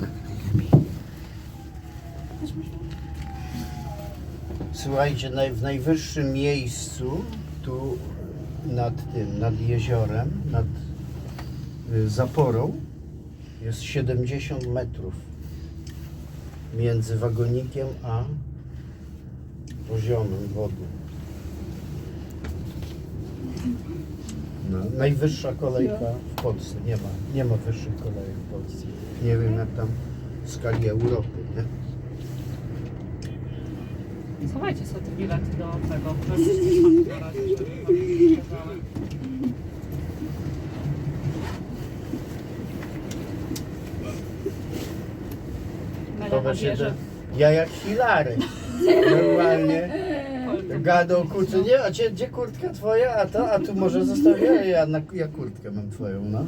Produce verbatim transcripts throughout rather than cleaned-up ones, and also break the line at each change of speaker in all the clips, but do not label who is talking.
Słuchajcie, naj, w najwyższym miejscu, tu nad tym, nad jeziorem, nad y, zaporą, jest siedemdziesiąt metrów między wagonikiem a poziomem wody. No, najwyższa kolejka w Polsce. Nie ma, nie ma wyższych kolejek w Polsce. Nie wiem jak tam w skali Europy, nie?
Schowajcie sobie te bilety do tego. Żebyście na razie, żeby wam nie przeszkadzały. Mela
To
na
właśnie
wieży.
te, ja jak Hilary. Normalnie. Gadał kurczę, nie, a gdzie, gdzie kurtka twoja, a to, a tu może zostawię, ja, na, ja kurtkę mam twoją, no.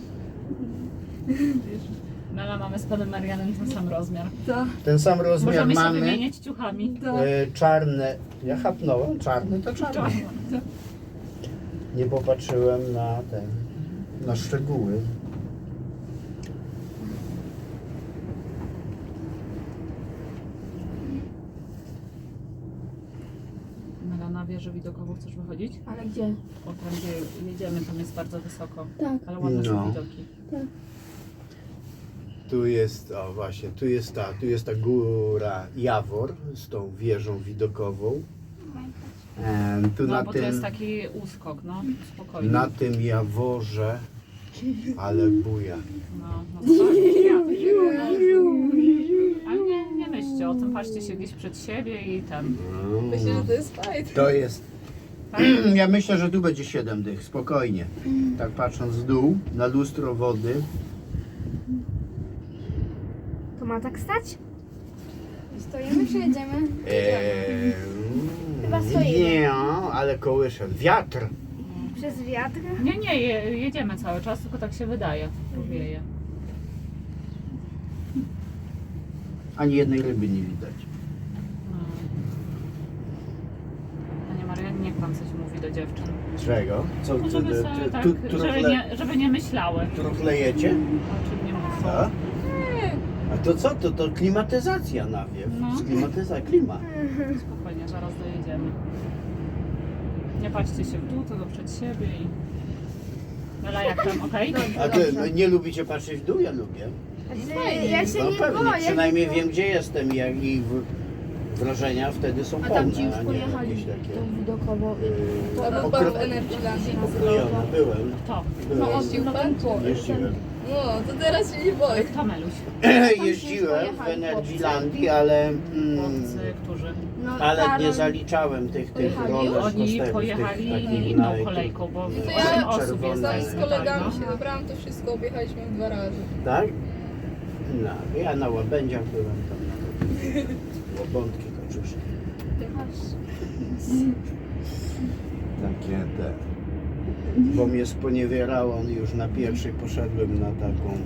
Mela, mamy z panem Marianem ten sam rozmiar.
Tak.
Ten sam rozmiar
Możemy się
mamy,
wymieniać ciuchami.
e, czarne, ja chapnąłem, czarny to czarny. Nie popatrzyłem na ten, na szczegóły.
Mela, na wieżę widokową chcesz wychodzić?
Ale gdzie?
O, tam gdzie jedziemy, tam jest bardzo wysoko.
Tak.
Ale ładne
No.
są widoki.
Tu jest, o właśnie, tu jest ta, tu jest ta góra Jawor z tą wieżą widokową. E, tu
No,
na
bo
tym,
to jest taki uskok, no, spokojnie.
na tym Jaworze, ale buja.
No, no to tak. Ale nie, nie myślcie o tym, patrzcie się gdzieś przed siebie i ten.
Myślę, że to jest fajne.
To jest,
Tak?
ja myślę, że tu będzie siedem dych, spokojnie. Tak patrząc w dół, na lustro wody.
To ma tak stać? Stoimy czy jedziemy?
Eee,
Chyba stoimy.
nie, ale kołysze. Wiatr.
Przez wiatr?
Nie, nie, je, jedziemy cały czas, tylko tak się wydaje, bo wieje.
Ani jednej ryby nie widać.
No. Panie Marian, niech pan coś mówi do dziewczyn.
Czego? Co,
No,
co,
żeby
ty-
sobie
ty-
tak,
tu-
żeby
trufle-
nie, żeby nie myślały,
Truflejecie?
o czym nie mówią.
Co? A to co? To, to klimatyzacja nawiew.
No.
Sklimatyzacja, klima.
Spokojnie, zaraz dojedziemy. Nie patrzcie się w dół, tylko przed siebie i... Mela, jak tam, okej?
A ty nie lubicie patrzeć w dół? Ja lubię.
Znaczy, ja się
No
nie
pewnie,
boję.
przynajmniej
tylko-
wiem gdzie jestem i jak i w, wrażenia wtedy są
A tam ci już
pełne, a nie
pojechali
jakieś takie
tą widokową.
yy,
To był
pokro-
pan w Energylandii.
pokrojone. Byłem.
To.
byłem.
No jeździł pan?
Jeździłem.
No, to teraz się nie boję.
To Meluś.
Jeździłem w Energylandii, ale, mm,
Chłopcy, którzy...
No,
ale nie
Karol-
zaliczałem tych, tych
Pojechali?
roller
Oni
coasterów,
pojechali
tych takich
inną
naj-
kolejką, bo
No to
osiem
ja
osób
czerwone.
jest
Tam
tak,
z
no.
kolegami się dobrałam, to wszystko objechaliśmy dwa razy.
Tak? No, ja na łabędziach byłem tam. Na łabątki, kaczuszki. Takie te. Bo mnie sponiewierało, już na pierwszej poszedłem na taką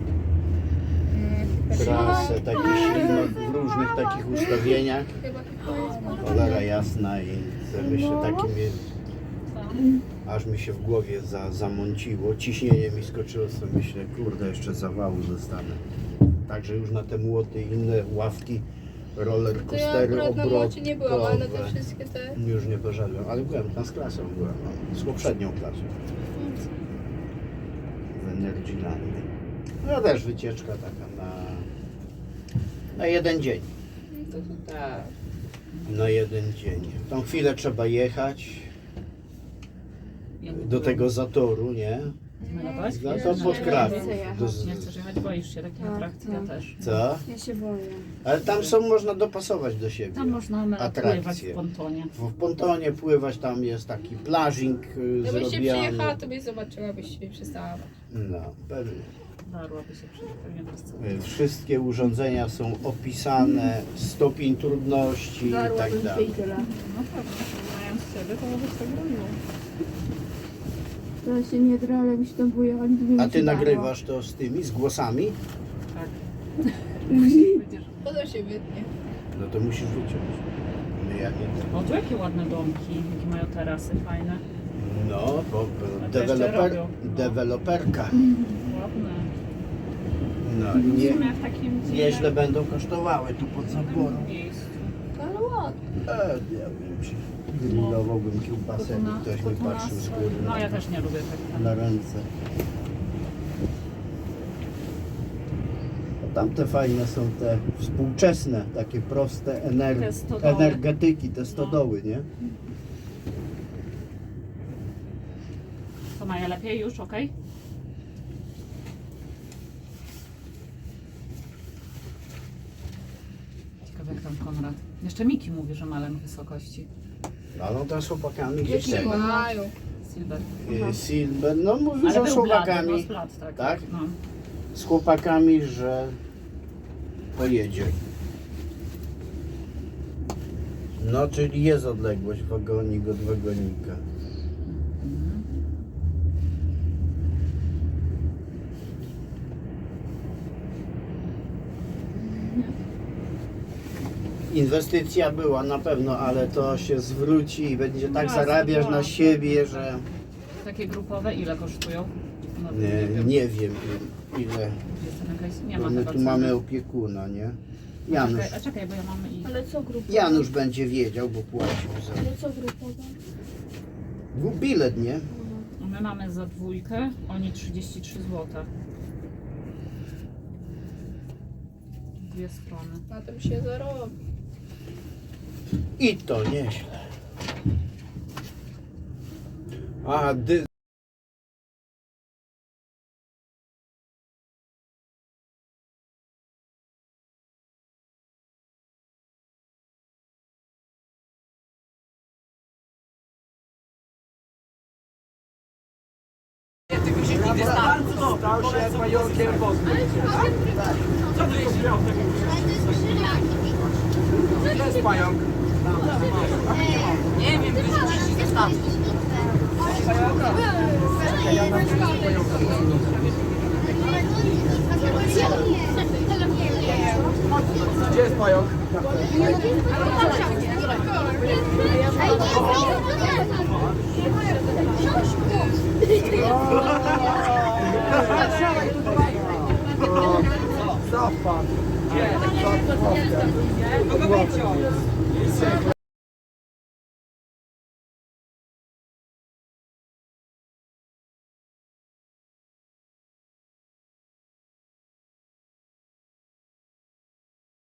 trasę, takie ślino, w różnych takich ustawieniach.
Chyba chyba jest.
Cholera jasna i sobie myślę, takie mnie, aż mi się w głowie za, zamąciło, ciśnienie mi skoczyło, sobie myślę, kurde, jeszcze zawału zostanę. Także już na te młoty i inne ławki, roller
To ja
coastery,
akurat na młocie nie byłam, ale na te
obrotowe
wszystkie te...
już nie poszedłem, ale byłem tam z klasą, byłem, no, z poprzednią klasą w Energylandii. No też wycieczka taka na, na jeden dzień.
No to, to tak.
Na jeden dzień. Tą chwilę trzeba jechać do tego zatoru, nie?
Mela,
No to pod Kraków. Do,
Nie chcesz jechać, boisz się takich atrakcji, ja też.
co?
Ja się boję.
Ale tam są, można dopasować do siebie.
Tam można Mela
Atrakcje.
pływać w pontonie.
W pontonie pływać, tam jest taki plażing y,
Gdybyś się
zrobiony.
przyjechała, to byś zobaczyła, byś się przestała bać.
No, pewnie.
Darłaby się przy pewnie wszyscy.
Y, Wszystkie urządzenia są opisane, stopień trudności i tak
Darłabym się
dalej.
i tyle.
No pewnie, mając siebie, to byś tak robiło.
To się nie drę, ale mi się tam boję, ale gdyby
A
mi
ty
się dało.
nagrywasz to z tymi, z głosami?
Tak. Będziesz...
Potem się wytnie.
No to musisz wyciąć. No ja nie.
O, tu jakie ładne domki, jakie mają tarasy fajne.
No, bo
A to jeszcze
deweloper,
robią, no.
deweloperka.
Ładne.
No,
W
nie,
sumie w takim
nieźle będą kosztowały tu pod zaporą.
miejscu.
Ale ładnie.
E, nie wiem, czy grillowałbym kiełbasę, jakby
Kotuna-
ktoś mi
kotuna
patrzył z
z-
góry
No
na,
ja też nie lubię tak.
na ręce. A tamte fajne są te współczesne, takie proste ener
Te stodoły.
energetyki, te stodoły, nie?
To Maja lepiej już, okej? Ciekawe jak tam Konrad. Jeszcze Miki mówi, że ma lęk wysokości.
A no to z chłopakami gdzieś
Dzieci
tego.
mają.
Silver.
Y, Silver, no mówił,
Ale
że
był
z
blady,
chłopakami,
no z blat, tak.
tak?
No.
z chłopakami, że pojedzie. No, czyli jest odległość wagonik od wagonika.
Mhm.
Inwestycja była na pewno, ale to się zwróci i będzie tak
No,
zarabiasz na
tak.
siebie, że
Takie grupowe ile kosztują? No,
nie,
wiem.
nie wiem ile.
Jest tam jakaś, nie
Bo
ma
my
chyba
tu
ceny.
mamy opiekuna, nie?
A
Janusz,
czekaj, a czekaj, bo ja mam i...
Ale co grupowe?
Janusz będzie wiedział, bo płacił za
Ale co grupowe?
Był bilet, nie?
My mamy za dwójkę, oni trzydzieści trzy złote. Dwie strony.
Na tym się zarobi.
I to nieźle. A dy...
Nie wiem, wyrzucić ze statku.
Gdzie jest pająk? Zapadł.
Kogo wyciął?